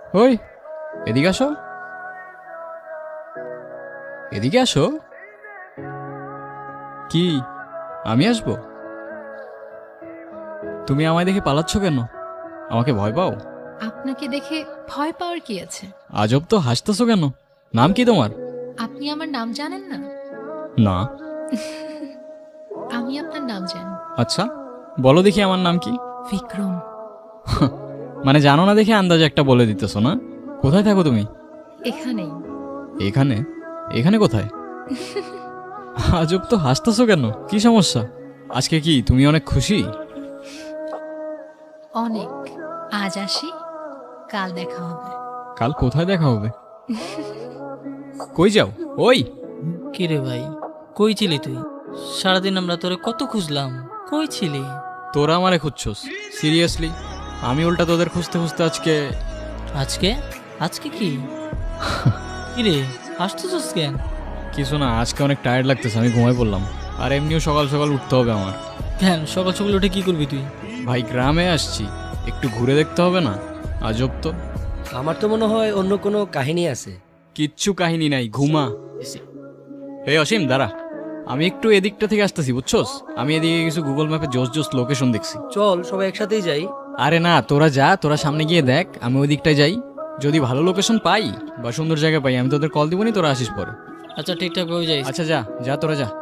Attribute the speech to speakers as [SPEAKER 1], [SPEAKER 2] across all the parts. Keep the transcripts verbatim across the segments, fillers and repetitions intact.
[SPEAKER 1] ওই, এদিকে আসো, এদিকে আসো। কি, আমি আসবো? তুমি আমায় দেখে পালাচ্ছ কেন? আমাকে ভয় পাও?
[SPEAKER 2] আপনাকে দেখে ভয় পাওয়ার কি আছে?
[SPEAKER 1] আজব তো, হাসতেছো কেন? নাম কি তোমার?
[SPEAKER 2] আপনি আমার নাম জানেন না?
[SPEAKER 1] না।
[SPEAKER 2] আমি আপনার নাম জানি।
[SPEAKER 1] আচ্ছা, বলো দেখি আমার নাম কি।
[SPEAKER 2] বিক্রম।
[SPEAKER 1] মানে জানো না দেখে আন্দাজে একটা বলে দিতেছো না? কোথায় থাকো তুমি?
[SPEAKER 2] এখানেই।
[SPEAKER 1] এখানে? এখানে কোথায়? আজব তো, হাসতেছো কেন? কি সমস্যা? আজকে কি তুমি অনেক খুশি?
[SPEAKER 2] অনেক। আজ আসি, কাল দেখা হবে।
[SPEAKER 1] কাল কোথায় দেখা হবে? কই যাও? ওই,
[SPEAKER 3] কিরে ভাই, কই ছিলি তুই? সারাদিন আমরা তোরে কত খুঁজলাম, কই ছিলি?
[SPEAKER 1] তোরা আমারে খুঁজছস? সিরিয়াসলি? আমি উল্টা তোদের খুঁজতে খুঁজতে আজকে।
[SPEAKER 3] আজকে? আজকে কি? কিরে হাসতেছস কেন?
[SPEAKER 1] কিছু না, আজকে অনেক টায়ার্ড লাগতেছে, আমি ঘুমাই পড়লাম। আর এমনিও সকাল সকাল উঠতে হবে আমার।
[SPEAKER 3] কেন সকাল সকাল উঠে কি করবি তুই?
[SPEAKER 1] ভাই গ্রামে আসছি, একটু ঘুরে দেখতে হবে না? আজব তো।
[SPEAKER 4] আমার তো মনে হয় অন্য কোনো কাহিনী আছে।
[SPEAKER 1] কিচ্ছু কাহিনী নাই, ঘুমা। এই অসীম দাঁড়া, আমি একটু এদিকটা থেকে আসতেছি, বুঝছস? আমি এদিকে কিছু গুগল ম্যাপে জোস জোস লোকেশন দেখছি।
[SPEAKER 4] চল সবাই একসাথেই যাই।
[SPEAKER 1] আরে না, তোরা যা, তোরা সামনে গিয়ে দেখ, আমি ওই দিকটায় যাই। যদি ভালো লোকেশন পাই বা সুন্দর জায়গা পাই, আমি তোদের কল দিবনি, তোরা আসিস পরে।
[SPEAKER 3] আচ্ছা ঠিকঠাক ভাবে যাইস।
[SPEAKER 1] আচ্ছা যা যা, তোরা যা।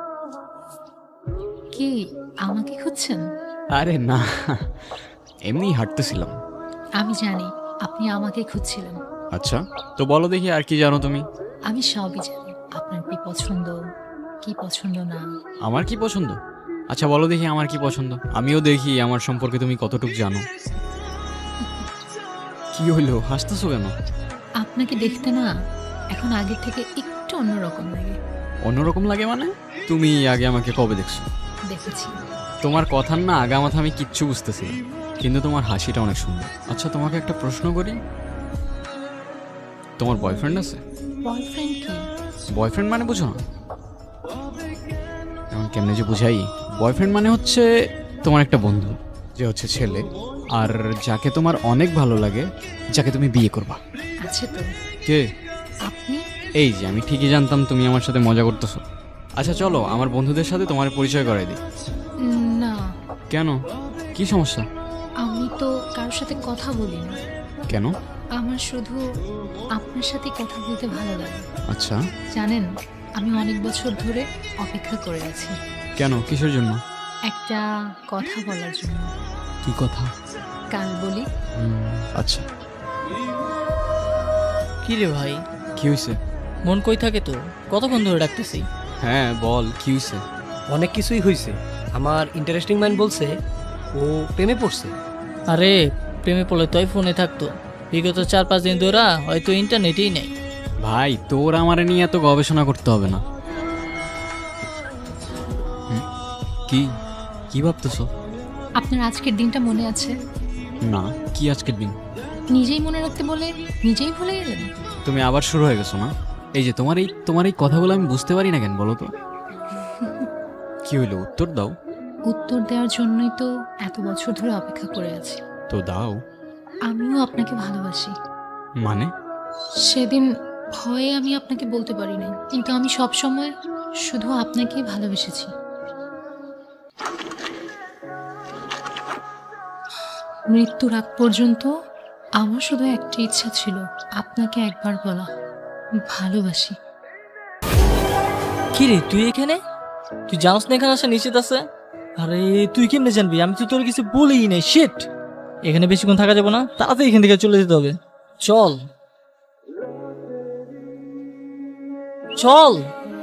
[SPEAKER 2] কি, আমাকে খুঁজছেন?
[SPEAKER 1] আরে না, এমনি হাঁটতেছিলাম।
[SPEAKER 2] আমি জানি আপনি আমাকে খুঁজছিলেন।
[SPEAKER 1] আচ্ছা, তো বলো দেখি আর কি জানো তুমি?
[SPEAKER 2] আমি সবই জানি, আপনার কি পছন্দ, কি পছন্দ না।
[SPEAKER 1] আমার কি পছন্দ? আচ্ছা বলো দেখি আমার কি পছন্দ, আমিও দেখি আমার সম্পর্কে তুমি কতটুকু জানো। কি হইলো, হাসতেছো কেন?
[SPEAKER 2] আপনাকে দেখতে না এখন আগের থেকে একটু অন্যরকম লাগে।
[SPEAKER 1] অন্যরকম লাগে মানে? তুমি আগে আমাকে কবে দেখছো?
[SPEAKER 2] দেখেছি।
[SPEAKER 1] তোমার কথার না আগা মাথা আমি কিচ্ছু বুঝতেছি না, কিন্তু তোমার হাসিটা অনেক সুন্দর। আচ্ছা তোমাকে একটা প্রশ্ন করি, তোমার বয়ফ্রেন্ড আছে?
[SPEAKER 2] বয়ফ্রেন্ড কি?
[SPEAKER 1] বয়ফ্রেন্ড মানে বুঝো না? এখন কেমনে যে বুঝাই, বয়ফ্রেন্ড মানে হচ্ছে তোমার একটা বন্ধু, যে হচ্ছে ছেলে, আর যাকে তোমার অনেক ভালো লাগে, যাকে তুমি বিয়ে করবা।
[SPEAKER 2] আছে তো।
[SPEAKER 1] কে?
[SPEAKER 2] আপনি?
[SPEAKER 1] এই যে, আমি ঠিকই জানতাম তুমি আমার সাথে মজা করতেছো। আচ্ছা চলো আমার বন্ধুদের সাথে তোমার পরিচয় করাই দিই।
[SPEAKER 2] না,
[SPEAKER 1] কেন, কি সমস্যা?
[SPEAKER 2] আমি তো কারোর সাথে কথা বলি না।
[SPEAKER 1] কেন?
[SPEAKER 2] আমার শুধু আপনার সাথে কথা বলতে ভালো লাগে।
[SPEAKER 1] আচ্ছা,
[SPEAKER 2] জানেন, আমি অনেক বছর ধরে অপেক্ষা করে আছি
[SPEAKER 1] কেন, কিসের জন্য?
[SPEAKER 2] একটা কথা বলার জন্য।
[SPEAKER 1] কি কথা?
[SPEAKER 2] কাল বলি।
[SPEAKER 1] হুম, আচ্ছা।
[SPEAKER 3] কিরে ভাই,
[SPEAKER 1] কি হয়েছে?
[SPEAKER 3] মন কই থাকে তোর? কতক্ষণ ধরে ডাকতেছি।
[SPEAKER 1] হ্যাঁ বল, কি হয়েছে?
[SPEAKER 4] অনেক কিছুই হয়েছে। আমার ইন্টারেস্টিং মাইন্ড বলছে ও প্রেমে পড়ছে।
[SPEAKER 3] আরে প্রেমে পড়লে তোই ফোনে থাকতো, বিগত চার পাঁচ দিন ধরে হয়তো ইন্টারনেটেই নেই।
[SPEAKER 1] ভাই তোর আমারে নিয়ে এত গবেষণা করতে হবে না। হুম, কি কি ভাবতেছো?
[SPEAKER 2] আপনার আজকের দিনটা মনে আছে?
[SPEAKER 1] না, কি আজকের দিন?
[SPEAKER 2] নিজেই মনে রাখতে বলে নিজেই ভুলে গেলেন।
[SPEAKER 1] তুমি আবার শুরু হয়ে গেছো না? এই যে তোমার এই তোমার এই কথাগুলো আমি বুঝতে পারি না কেন বলো তো? কি হইলো, উত্তর দাও।
[SPEAKER 2] উত্তর দেওয়ার জন্যই তো এত বছর ধরে অপেক্ষা করে আছি।
[SPEAKER 1] তো দাও।
[SPEAKER 2] আমিও আপনাকে ভালোবাসি।
[SPEAKER 1] মানে?
[SPEAKER 2] সেদিন ভয়ে আমি আপনাকে বলতে পারি নাই, কিন্তু আমি সব সময় শুধু আপনাকেই ভালোবেসেছি। মৃত্যুর আগ পর্যন্ত আমার শুধু একটা ইচ্ছা ছিল, আপনাকে একবার বলা ভালোবাসি।
[SPEAKER 3] কিরে তুই এখানে? তুই জানোস না এখানে আসা নিষেধ আছে? আরে তুই কেমনে জানবি? আমি তো তোর কিছু বলেই নাই। শিট, এখানে বেশিক্ষণ থাকা যাবে না, তাড়াতাড়ি এখান থেকে চলে যেতে হবে। চল চল।